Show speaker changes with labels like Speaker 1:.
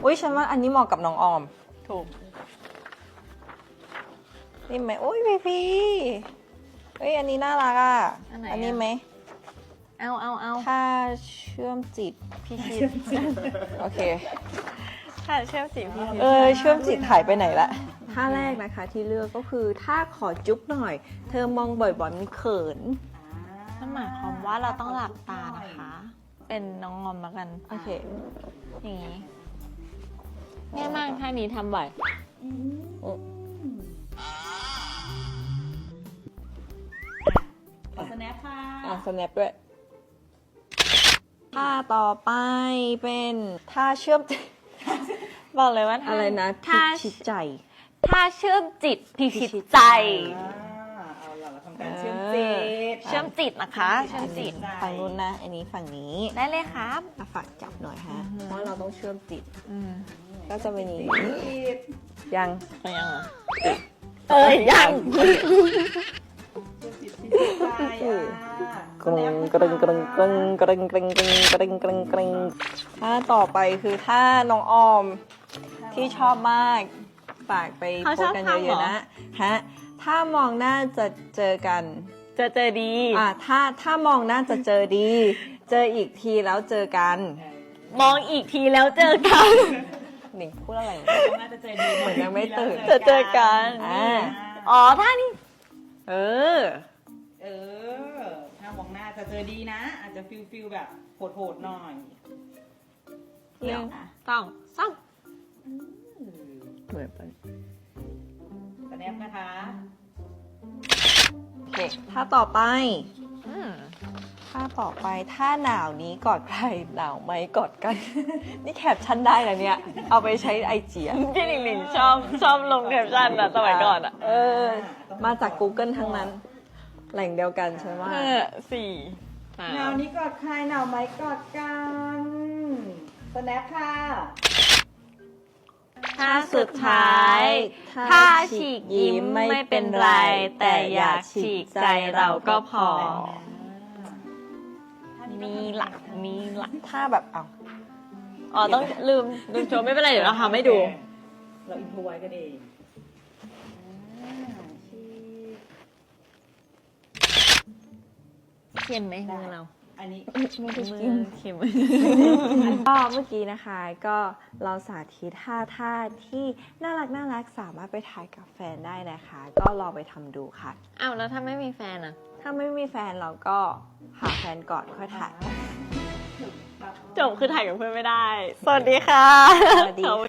Speaker 1: อุ้ยฉันว่าอันนี้เหมาะกับน้องออม
Speaker 2: ถูก
Speaker 1: นี่ไหมอุ้ยพี่เฮ้ยอันนี้น่ารักอ่ะ
Speaker 2: อันไหน
Speaker 1: อันนี้ไหม
Speaker 2: เอา
Speaker 1: ถ้าเชื่อมจิตพี่ชิดโอเค
Speaker 2: ถ้าเชื่อมจิตพี่
Speaker 1: เชื่อมจิตหายไปไหนละท่าแรกนะคะที่เลือกก็คือถ้าขอจุ๊บหน่อย เธอมองบ่อยๆมันเขิน
Speaker 2: นั่นหมายความว่าเราต้องหลับตานะคะ เป็นน้องงอมแล้วกัน
Speaker 1: โอเค
Speaker 2: อย่างนี้ง่ายมากท่านี้ทำบ่อย
Speaker 3: ขอสแนปค่ะ
Speaker 1: สแนปด้วยท่าต่อไปเป็นท่าเชื่อมจิต
Speaker 2: บอกเลยว่า
Speaker 1: อะไรนะ
Speaker 2: ท่า
Speaker 1: พิชิตใจ
Speaker 2: ท่าเชื่อมจิตพิชิตใจ
Speaker 3: เอาล่ะเราทำการเชื่อมจิต
Speaker 2: เชื่อมจิตนะคะ เชื่อมจิต
Speaker 1: ฝั่งนู้นนะ อันนี้ฝั่งนี้
Speaker 2: ได้เลยครับ
Speaker 1: ฝากจับหน่อยฮะ เพราะเราต้องเชื่อมจิต
Speaker 2: อืม
Speaker 1: ก็จะเป็นอย่างนี้
Speaker 3: จิต
Speaker 1: ยัง
Speaker 2: ไปยังเหรอยัง
Speaker 3: จิตพิจิตใจ
Speaker 1: กรึงกรึงกรึงกรึงกรึงกรึงกรึงกรึงกรึงกรึงท่าต่อไปคือท่าน้องออมที่ชอบมากฝากไปโพสต์กันเยอะๆนะฮะถ้ามองหน้าจะเจอกัน
Speaker 2: เจอดี
Speaker 1: ถ้ามองหน้าจะเจอดี เจออีกทีแล้วเจอกัน
Speaker 2: มองอีกทีแล้วเจอกัน
Speaker 1: หนิงพูดอะไร
Speaker 3: น่าจะเจอดี
Speaker 1: เหมือนยังไม่ตื่น
Speaker 2: เจอกัน อ๋อท่านี้
Speaker 1: เออ
Speaker 3: ถ้ามองหน้าจะเจอดีนะ อาจจะฟิลแบบโหดๆหน่อย
Speaker 2: หนึ่งสองสาม
Speaker 1: เหมือนไป
Speaker 3: สแนปนะคะ
Speaker 1: โอเคท่าต่อไป
Speaker 2: อืม
Speaker 1: ถ้าต่อไปถ้าหนาวนี้กอดใครหนาวไหมกอดกัน นี่แคปชั่นได้แล้วเนี่ย เอาไปใช้ไอจี
Speaker 2: พี่หลิงหลิงชอบลงแคปชั่นอะสมัยก่อนอะ
Speaker 1: มาจาก Google ทั้งนั้น แหล่งเดียวกันใช่ไหม
Speaker 2: สี่
Speaker 3: หนาวนี้กอดใครหนาวไหมกอดกันสแนปค่ะ
Speaker 2: ท่าสุดท้าย ถ้าฉีกยิ้มไม่เป็นไร แต่อยากฉีกใจเราก็พอ มีหลัก
Speaker 1: ถ้าแบบเอา
Speaker 2: อ๋อต้องลืมโชว์ไม่เป็นไรเดี๋ยวเราทำให้ดู
Speaker 3: เราอินโทรไว้กันเองฉีก
Speaker 2: เค็มไหมมือเรา
Speaker 3: อันนี้
Speaker 2: มือเค็ม
Speaker 1: ก็เมื่อกี้นะคะ ก็เราสาธิตท่าที่น่ารักสามารถไปถ่ายกับแฟนได้นะคะ ก็ลองไปทำดูค่ะ
Speaker 2: อ้าวแล้วถ้าไม่มีแฟนอะ
Speaker 1: ถ้าไม่มีแฟนเราก็หาแฟนก่อนค่อยถ่าย
Speaker 2: จบคือถ่ายกับเพื่อนไม่ได้ สวัสดีค่ะ
Speaker 1: สวัสดีค่ะ